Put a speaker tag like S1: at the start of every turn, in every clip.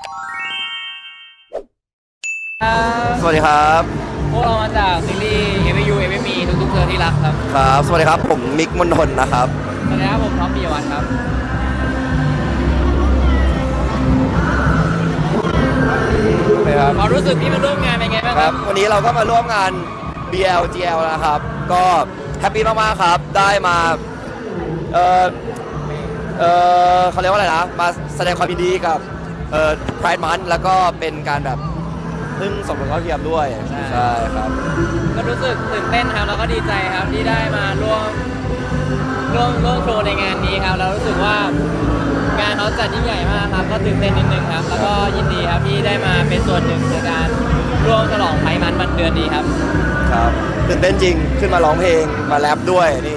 S1: สวัสดีครับ
S2: พวกเรามาจากซีรีส์ AVU AVME ทุกๆเธอที่รักครับ
S1: ครับสวัสดีครับผมมิกมนทนนะครับ
S2: สวัสดีครับผมท็อปปิยวัฒน์ครับ
S1: ครับ
S2: ความรู้สึกที่มาร่วมงานเป็นไงบ้างครับ
S1: วันนี้เราก็มาร่วมงาน BLGL นะครับก็แฮปปี้มากๆครับได้มาเออเขาเรียกว่าอะไรนะมาแสดงความยินดีกับPride Month แล้วก็เป็นการแบบพึ่งสมรสเท่าเทียมด้วยใช่ครับ
S2: ก็รู้สึกตื่นเต้นครับแล้วก็ดีใจครับที่ได้มาร่วมโชว์ในงานนี้ครับเรารู้สึกว่างานเขาจัดยิ่งใหญ่มากครับก็ตื่นเต้นนิดนึงครับแล้วก็ยินดีครับที่ได้มาเป็นส่วนหนึ่งในการร่วมฉลองไพร์มันต์วันเดือนดีครับ
S1: ครับตื่นเต้นจริงขึ้นมาร้องเพลงมาแรปด้วยนี่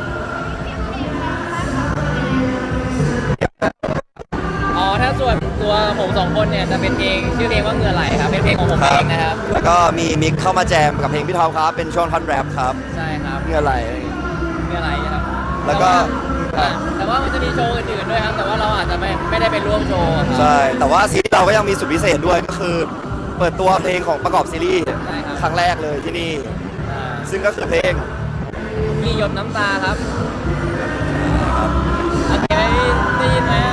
S2: ถ้าส่วนตัวผมสองคนเนี่ยจะเป็นเพลงชื่อเพลงว่าเหงื่อไหลครับเป็นเพลงของผมเองนะครับ
S1: แล้วก็มีมิกเข้ามาแจมกับเพลงพี่ท็อปครับเป็นช่วงท่อนแรปครับ
S2: ใช่ครับ
S1: เหงื่อไหล
S2: ครับ
S1: แล้วก็
S2: แต่ว่ามันจะมีโชว์อื่นๆด้วยครับแต่ว่าเราอาจจะไม่ได้ไปร่วมโชว์
S1: ใช่แต่ว่าซีรีส์เราก็ยังมีสุดพิเศษด้วยก็คือเปิดตัวเพลงของประกอบซีรีส์ครั้งแรกเลยที่นี่ซึ่งก็คือเพลง
S2: มีหยดน้ำตาครับโอเคได้ยินไหม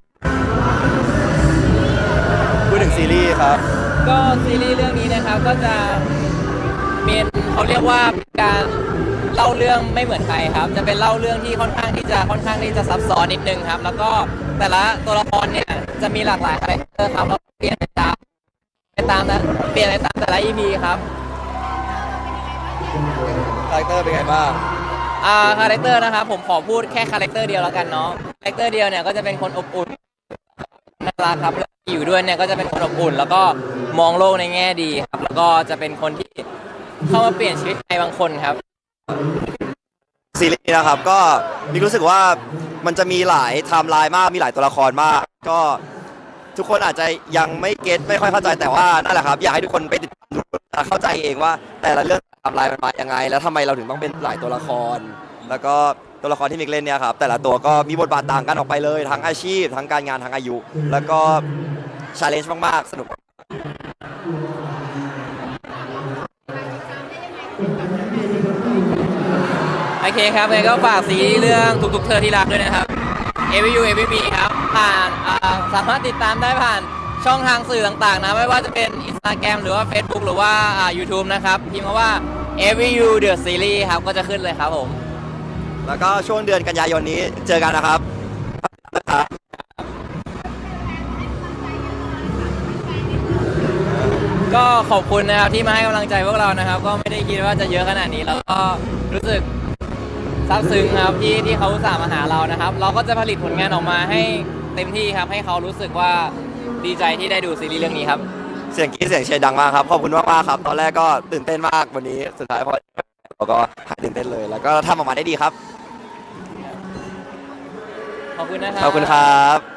S1: พูดถึงซีรีส์ครับ
S2: ก็ซีรีส์เรื่องนี้นะครับก็จะเป็นเขาเรียกว่าการเล่าเรื่องไม่เหมือนใครครับจะเป็นเล่าเรื่องที่ค่อนข้างที่จะซับซ้อนนิดนึงครับแล้วก็แต่ละตัวละครเนี่ยจะมีหลากหลายคาแรคเตอร์ครับเราเปลี่ยนไปตามแต่ละ EP ครับ
S1: คาแรคเตอร์เป็นไงบ้าง
S2: คาแรคเตอร์นะครับผมขอพูดแค่คาแรคเตอร์เดียวแล้วกันเนาะคาแรคเตอร์เดียวเนี่ยก็จะเป็นคนอบอุ่นน่ารักครับอยู่ด้วยเนี่ยก็จะเป็นคนอบอุ่นแล้วก็มองโลกในแง่ดีครับแล้วก็จะเป็นคนที่เข้ามาเปลี่ยนชีวิตใครบางคนครับ
S1: ซีรีส์นะครับก็มีรู้สึกว่ามันจะมีหลายไทม์ไลน์มากมีหลายตัวละครมากก็ทุกคนอาจจะยังไม่เก็ตไม่ค่อยเข้าใจแต่ว่านั่นแหละครับอยากให้ทุกคนไปติดตามดูเข้าใจเองว่าแต่ละเรื่องไทม์ไลน์มันมายังไงแล้วทำไมเราถึงต้องเป็นหลายตัวละครแล้วก็ตัวละครที่มิกเล่นเนี่ยครับแต่ละตัวก็มีบทบาทต่างกันออกไปเลยทั้งอาชีพทั้งการงานทั้งอายุแล้วก็ชาเลนจ์มากๆสนุก
S2: โอเคครับงั้นก็ฝากซีรีส์เรื่องทุกๆเธอที่รักด้วยนะครับ AVU AVME ครับผ่านสามารถติดตามได้ผ่านช่องทางสื่อต่างๆนะไม่ว่าจะเป็น Instagram หรือว่า Facebook หรือว่า YouTube นะครับพิมพ์มาว่า AVU The Series ครับก็จะขึ้นเลยครับผม
S1: แล้วก็ช่วงเดือนกันยายนนี้เจอกันนะครับ
S2: ก็ขอบคุณนะครับที่มาให้กำลังใจพวกเรานะครับก็ไม่ได้คิดว่าจะเยอะขนาดนี้แล้วก็รู้สึกซาบซึ้งครับที่เขาอุตส่าห์มาหาเรานะครับเราก็จะผลิตผลงานออกมาให้เต็มที่ครับให้เขารู้สึกว่าดีใจที่ได้ดูซีรีส์เรื่องนี้ครับ
S1: เสียงกรี๊ดเสียงเชียร์ดังมากครับขอบคุณมากๆครับตอนแรกก็ตื่นเต้นมากวันนี้สุดท้ายพอเราก็หายตื่นเต้นเลยแล้วก็ทำออกมาได้ดีครับ
S2: ขอบคุณนะครับ
S1: ขอบคุณครับ